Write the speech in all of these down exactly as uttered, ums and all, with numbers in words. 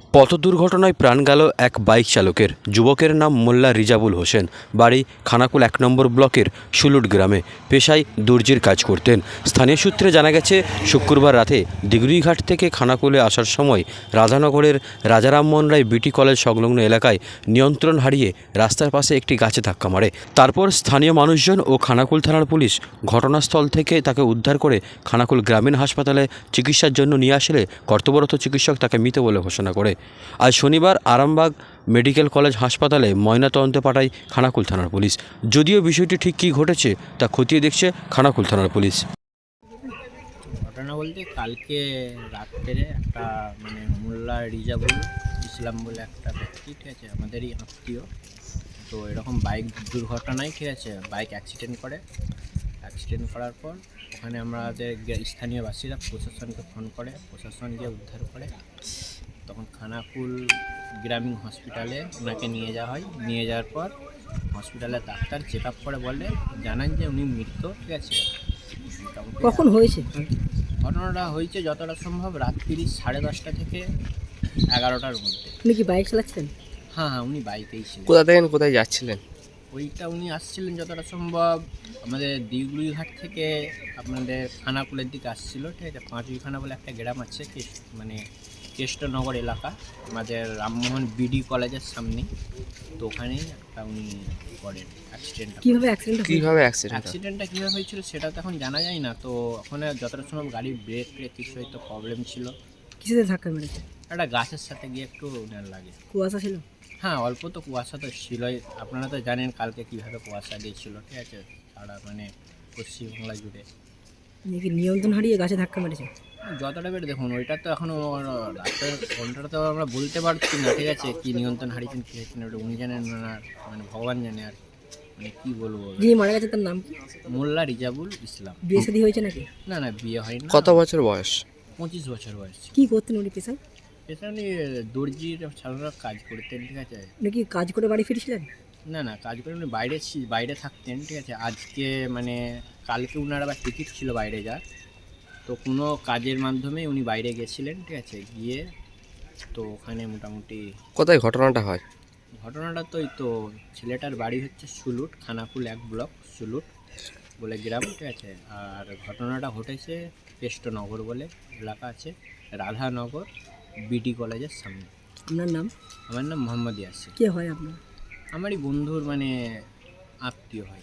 পথ দুর্ঘটনায় প্রাণ গেল এক বাইক চালকের। যুবকের নাম মোল্লা রিজাবুল হোসেন, বাড়ি খানাকুল এক নম্বর ব্লকের সুলুট গ্রামে। পেশায় দর্জির কাজ করতেন। স্থানীয় সূত্রে জানা গেছে, শুক্রবার রাতে দিগুড়িঘাট থেকে খানাকুলে আসার সময় রাধানগরের রাজা রামমোহন রায় বিটি কলেজ সংলগ্ন এলাকায় নিয়ন্ত্রণ হারিয়ে রাস্তার পাশে একটি গাছে ধাক্কা মারে। তারপর স্থানীয় মানুষজন ও খানাকুল থানার পুলিশ ঘটনাস্থল থেকে তাকে উদ্ধার করে খানাকুল গ্রামীণ হাসপাতালে চিকিৎসার জন্য নিয়ে আসলে কর্তব্যরত চিকিৎসক তাকে মৃত বলে ঘোষণা করে। আজ শনিবার আরামবাগ মেডিকেল কলেজ হাসপাতালে ময়নাতদন্তে পাঠায় খানাকুল থানার পুলিশ। যদিও বিষয়টি ঠিক কী ঘটেছে তা খতিয়ে দেখছে খানাকুল থানার পুলিশ। ঘটনা বলতে কালকে রাত্রে একটা মানে মোল্লা রিজাবুল ইসলাম বলে একটা ব্যক্তি, ঠিক আছে, আমাদেরই আত্মীয়, তো এরকম বাইক দুর্ঘটনায়, ঠিক আছে, বাইক অ্যাক্সিডেন্ট করে। অ্যাক্সিডেন্ট করার পর ওখানে আমাদের স্থানীয় বাসীরা প্রশাসনকে ফোন করে, প্রশাসন গিয়ে উদ্ধার করে। তখন খানাকুল গ্রামীণ হসপিটালে ওনাকে নিয়ে যাওয়া হয়। নিয়ে যাওয়ার পর হসপিটালে ডাক্তার চেক আপ করে বলে জানান যে উনি মৃত, ঠিক আছে। কখন হয়েছে ঘটনাটা? হয়েছে যতটা সম্ভব রাত্রি সাড়ে দশটা থেকে এগারোটার মধ্যে। উনি কি বাইক চালাচ্ছেন? হ্যাঁ হ্যাঁ, উনি বাইকেই ছিলেন। কোথা থেকে কোথায় যাচ্ছিলেন? ওইটা উনি আসছিলেন যতটা সম্ভব আমাদের দিগুড়িঘাট থেকে আপনাদের খানাকুলের দিকে আসছিল, ঠিক আছে। পাঁচুইখানা বলে একটা গ্রাম আছে, মানে কেষ্টনগর এলাকা, আমাদের রামমোহন বিডি কলেজের সামনে। তো ওখানেই একটা উনি করেন অ্যাক্সিডেন্ট। কিভাবে অ্যাক্সিডেন্ট কিভাবে অ্যাক্সিডেন্ট অ্যাক্সিডেন্টটা কীভাবে হয়েছিল সেটা তো এখন জানা যায় না। তো ওখানে যতটা সম্ভব গাড়ির ব্রেক ট্রেক কিছু হয়তো প্রবলেম ছিল। কিসেতে ধাক্কা মেরেছে? একটা গাছের সাথে গিয়ে একটু ওনার লাগে। কুয়াশা ছিল? হ্যাঁ, অল্প তো কুয়াশা তো ছিলই। আপনারা তো জানেন কালকে কীভাবে কুয়াশা দিয়েছিল, ঠিক আছে, সারা মানে পশ্চিমবাংলা জুড়ে। নাকি নিয়ন্ত্রণ হারিয়ে গাছে ধাক্কা মেরেছে? যতটা বের দেখুন, ওইটা তো এখনও রাতের ঘন্টাটা তো আমরা বলতে পারছি না, ঠিক আছে, কী নিয়ন্ত্রণ হারিয়েছেন কী হয়েছেন ওটা উনি জানেন না, মানে ভগবান জানে। আর মানে কী বলবো, যিনি মারা গেছে তার নাম কি? মোল্লা রিজাবুল ইসলাম। বিয়ে শাদী হয়েছে নাকি? না না, বিয়ে হয়নি। কত বছর বয়স? পঁচিশ বছর বয়স। কি করতেন উনি পেশায়? পেছনে উনি দর্জির সাধারণত কাজ করতেন, ঠিক আছে। উনি কি কাজ করে বাড়ি ফিরেছিলেন? না না, কাজ করে উনি বাইরে বাইরে থাকতেন, ঠিক আছে। আজকে মানে কালকে উনার আবার টিকিট ছিল বাইরে যাওয়ার, তো কোনো কাজের মাধ্যমে উনি বাইরে গেছিলেন, ঠিক আছে। গিয়ে তো ওখানে মোটামুটি কোথায় ঘটনাটা হয়? ঘটনাটা তো এই তো ছেলেটার বাড়ি হচ্ছে সুলুট, খানাকুল এক ব্লক সুলুট বলে গ্রাম, ঠিক আছে। আর ঘটনাটা ঘটেছে কেষ্টনগর বলে এলাকা আছে, রাধানগর বিডি কলেজের সামনে। আপনার নাম? আমার নাম মোহাম্মদ ইয়াসির। কে হয় আপনার? আমারই বন্ধুর মানে আত্মীয় হয়।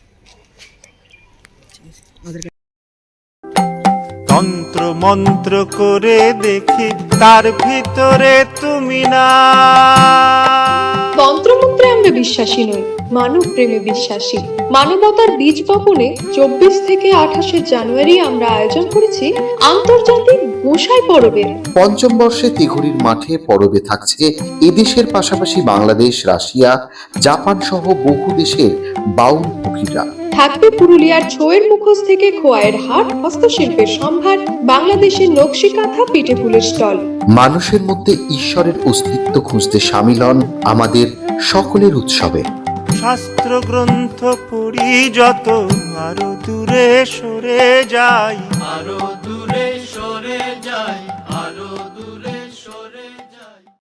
তন্ত্র মন্ত্র করে দেখি তার ভিতরে তুমি না। তন্ত্রমন্ত্রে আমরা বিশ্বাসী নই, মানব প্রেমে বিশ্বাসী। মানবতার বীজ বপনে চব্বিশ থেকে আঠাশে জানুয়ারি আমরা আয়োজন করেছি আন্তর্জাতিক গোসাই পরবের। পঞ্চম বর্ষে তিঘুরির মাঠে পরবে থাকছে এদেশের পাশাপাশি বাংলাদেশ, রাশিয়া, জাপান সহ বহু দেশের বাউল পুকিরা। থাকবে পুরুলিয়ার ছোয়ের মুখোশ থেকে খোয়াইয়ের হাট, হস্তশিল্পের সম্ভার, বাংলাদেশের নকশি কাঁথা, পিঠে ফুলের স্টল। মানুষের মধ্যে ঈশ্বরের অস্তিত্ব খুঁজতে সামিল হন আমাদের সকলের উৎসবে। শাস্ত্র গ্রন্থ পড়ি যত আরো দূরে সরে যাই, আরো